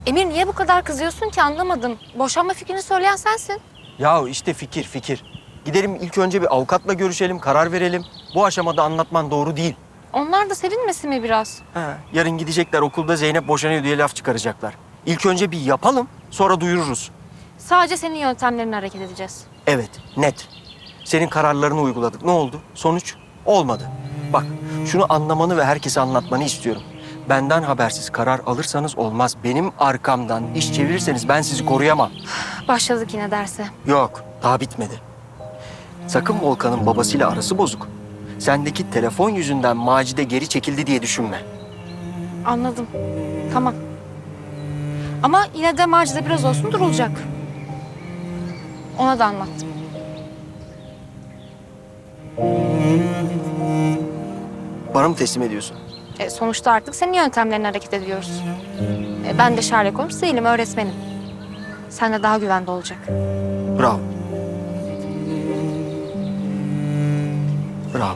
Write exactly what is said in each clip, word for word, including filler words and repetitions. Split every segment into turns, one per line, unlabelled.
Emir niye bu kadar kızıyorsun ki anlamadım. Boşanma fikrini söyleyen sensin.
Ya işte fikir fikir. Gidelim ilk önce bir avukatla görüşelim, karar verelim. Bu aşamada anlatman doğru değil.
Onlar da sevinmesin mi biraz?
Ha, yarın gidecekler okulda Zeynep boşanıyor diye laf çıkaracaklar. İlk önce bir yapalım, sonra duyururuz.
Sadece senin yöntemlerine hareket edeceğiz.
Evet, net. Senin kararlarını uyguladık. Ne oldu? Sonuç? Olmadı. Bak, şunu anlamanı ve herkese anlatmanı istiyorum. Benden habersiz karar alırsanız olmaz. Benim arkamdan iş çevirirseniz ben sizi koruyamam.
Başladık yine derse.
Yok, daha bitmedi. Sakın Volkan'ın babasıyla arası bozuk. Sendeki telefon yüzünden Macide geri çekildi diye düşünme.
Anladım. Tamam. Ama yine de Macide biraz olsun durulacak. Ona da anlattım.
Bana mı teslim ediyorsun?
E, sonuçta artık senin yöntemlerine hareket ediyoruz. E, ben de Sherlock Holmes değilim, öğretmenim. Sen de daha güvende olacak.
Bravo. Bravo.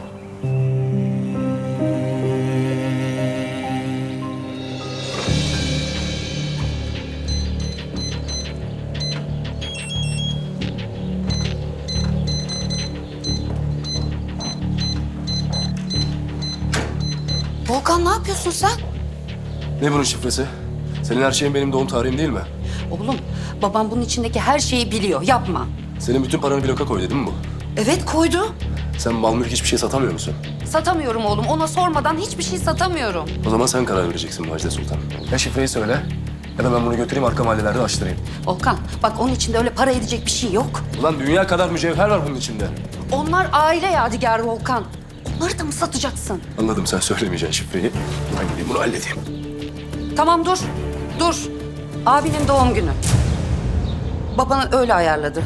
Volkan ne yapıyorsun sen?
Ne bunun şifresi? Senin her şeyin benim doğum tarihim değil mi?
Oğlum babam bunun içindeki her şeyi biliyor. Yapma.
Senin bütün paranı bloka koydu değil mi bu?
Evet koydu.
Sen mal mülk hiçbir şey satamıyor musun?
Satamıyorum oğlum. Ona sormadan hiçbir şey satamıyorum.
O zaman sen karar vereceksin Macide Sultan. Ya şifreyi söyle ya da ben bunu götüreyim arka mahallelerde açtırayım.
Volkan bak onun içinde öyle para edecek bir şey yok.
Ulan dünya kadar mücevher var bunun içinde.
Onlar aile yadigarı Volkan. Onları da mı satacaksın?
Anladım, sen söylemeyeceksin şifreyi. Ben gideyim bunu halledeyim.
Tamam dur. Dur. Abinin doğum günü. Babanı öyle ayarladı.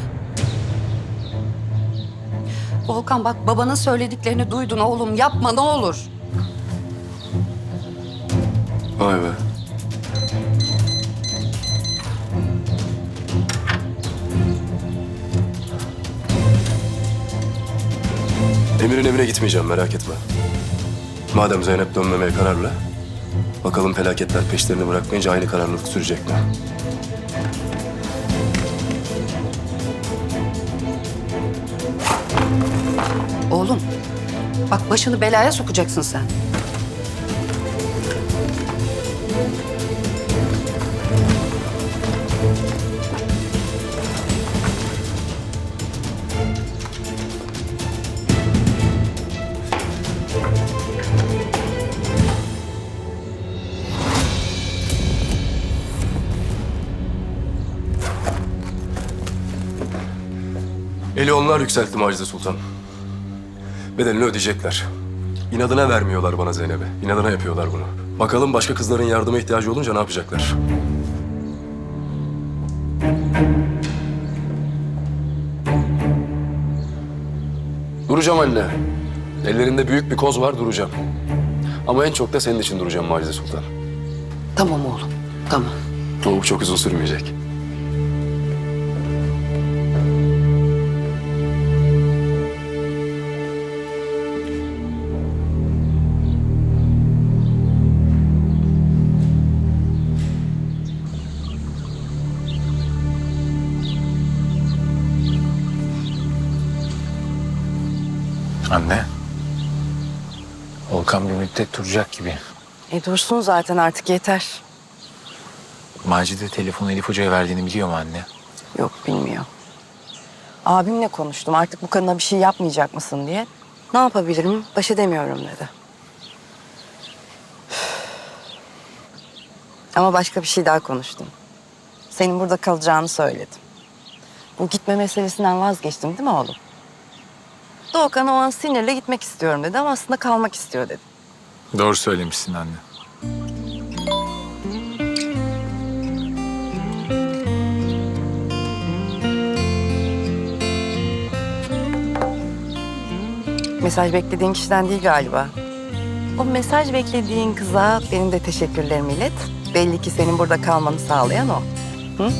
Volkan bak babanın söylediklerini duydun oğlum. Yapma ne olur.
Vay be. Emir'in evine gitmeyeceğim, merak etme. Madem Zeynep dönmemeye kararlı, bakalım felaketler peşlerini bırakmayınca aynı kararlılık sürecek mi?
Oğlum bak başını belaya sokacaksın sen.
Eli onlar yükseltti Macide Sultan. Bedelini ödeyecekler. İnadına vermiyorlar bana Zeynep'i. İnadına yapıyorlar bunu. Bakalım başka kızların yardıma ihtiyacı olunca ne yapacaklar? Duracağım anne. Ellerinde büyük bir koz var, duracağım. Ama en çok da senin için duracağım Macide Sultan.
Tamam oğlum. Tamam.
O çok uzun sürmeyecek.
Anne. Volkan bir müddet duracak gibi.
E dursun zaten artık yeter.
Macide telefonu Elif Hoca'ya verdiğini biliyor mu anne?
Yok bilmiyor. Abimle konuştum artık bu kadına bir şey yapmayacak mısın diye. Ne yapabilirim baş edemiyorum dedi. Ama başka bir şey daha konuştum. Senin burada kalacağını söyledim. Bu gitme meselesinden vazgeçtim değil mi oğlum? Doğukan o an sinirle gitmek istiyorum dedi ama aslında kalmak istiyor dedi.
Doğru söylemişsin anne.
Mesaj beklediğin kişiden değil galiba. O mesaj beklediğin kıza benim de teşekkürlerimi ilet. Belli ki senin burada kalmanı sağlayan o. Hı?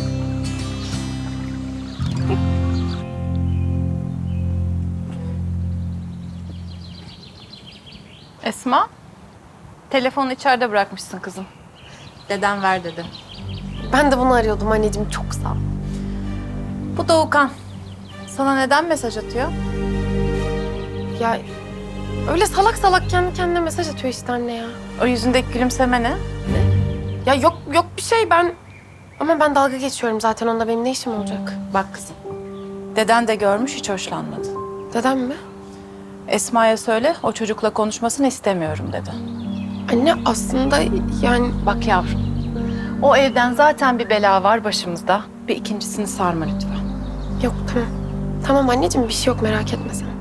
Esma, telefonu içeride bırakmışsın kızım. Dedem ver dedi. Ben de bunu arıyordum anneciğim. Çok sağ ol.
Bu Doğukan. Sana neden mesaj atıyor?
Ya öyle salak salak kendi kendine mesaj atıyor işte anne ya.
O yüzündeki gülümseme ne?
Ya yok yok bir şey ben... Ama ben dalga geçiyorum zaten. Onunla benim ne işim olacak?
Bak kızım. Deden de görmüş, hiç hoşlanmadı.
Dedem mi?
Esma'ya söyle, o çocukla konuşmasını istemiyorum dedi.
Anne aslında yani...
Bak yavrum, o evden zaten bir bela var başımızda. Bir ikincisini sarma lütfen.
Yok tamam. Tamam anneciğim bir şey yok merak etme sen.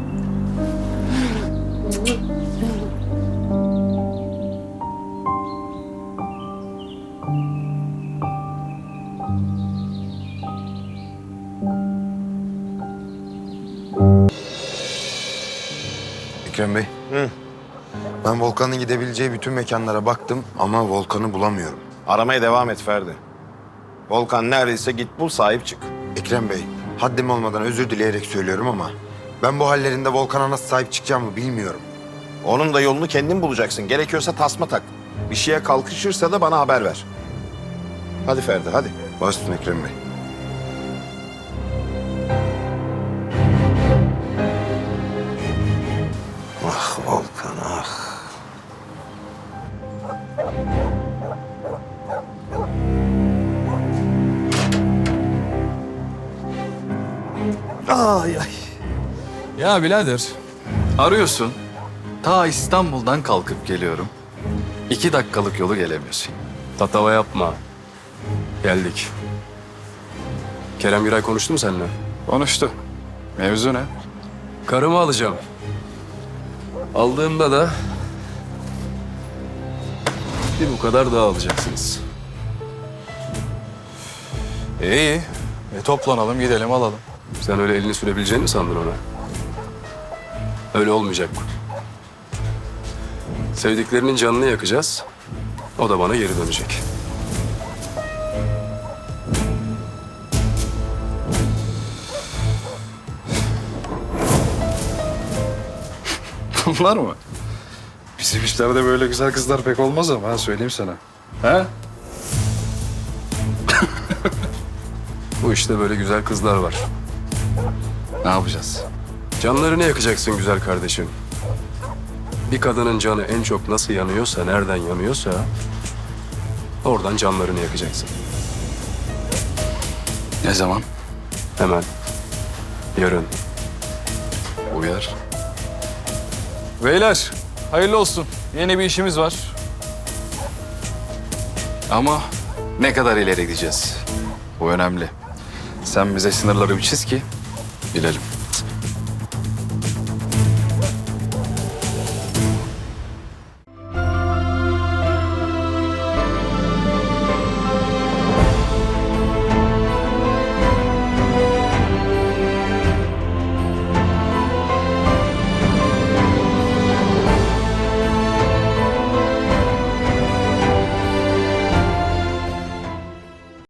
Ekrem Bey. Ben Volkan'ın gidebileceği bütün mekanlara baktım ama Volkan'ı bulamıyorum.
Aramaya devam et Ferdi. Volkan neredeyse git bul, sahip çık.
Ekrem Bey, haddim olmadan özür dileyerek söylüyorum ama ben bu hallerinde Volkan'a nasıl sahip çıkacağımı bilmiyorum.
Onun da yolunu kendin bulacaksın. Gerekiyorsa tasma tak. Bir şeye kalkışırsa da bana haber ver. Hadi Ferdi, hadi.
Baş üstüne Ekrem Bey.
Ah Volkan, ah.
Ay ay. Ya birader, arıyorsun. Ta İstanbul'dan kalkıp geliyorum. İki dakikalık yolu gelemiyorsun.
Tatava yapma. Geldik. Kerem Güray konuştu mu seninle?
Konuştu. Mevzu ne?
Karımı alacağım. Aldığımda da bir bu kadar daha alacaksınız.
İyi. E toplanalım, gidelim, alalım.
Sen öyle elini sürebileceğini mi sandın ona? Öyle olmayacak bu. Sevdiklerinin canını yakacağız. O da bana geri dönecek.
Bunlar mı? Bizim işlerde böyle güzel kızlar pek olmaz ama ha, söyleyeyim sana. Ha?
Bu işte böyle güzel kızlar var.
Ne yapacağız?
Canlarını yakacaksın güzel kardeşim. Bir kadının canı en çok nasıl yanıyorsa, nereden yanıyorsa... oradan canlarını yakacaksın.
Ne zaman?
Hemen. Yarın.
Uyar. Beyler, hayırlı olsun. Yeni bir işimiz var. Ama ne kadar ileri gideceğiz? Bu önemli. Sen bize sınırları bir çiz ki bilelim.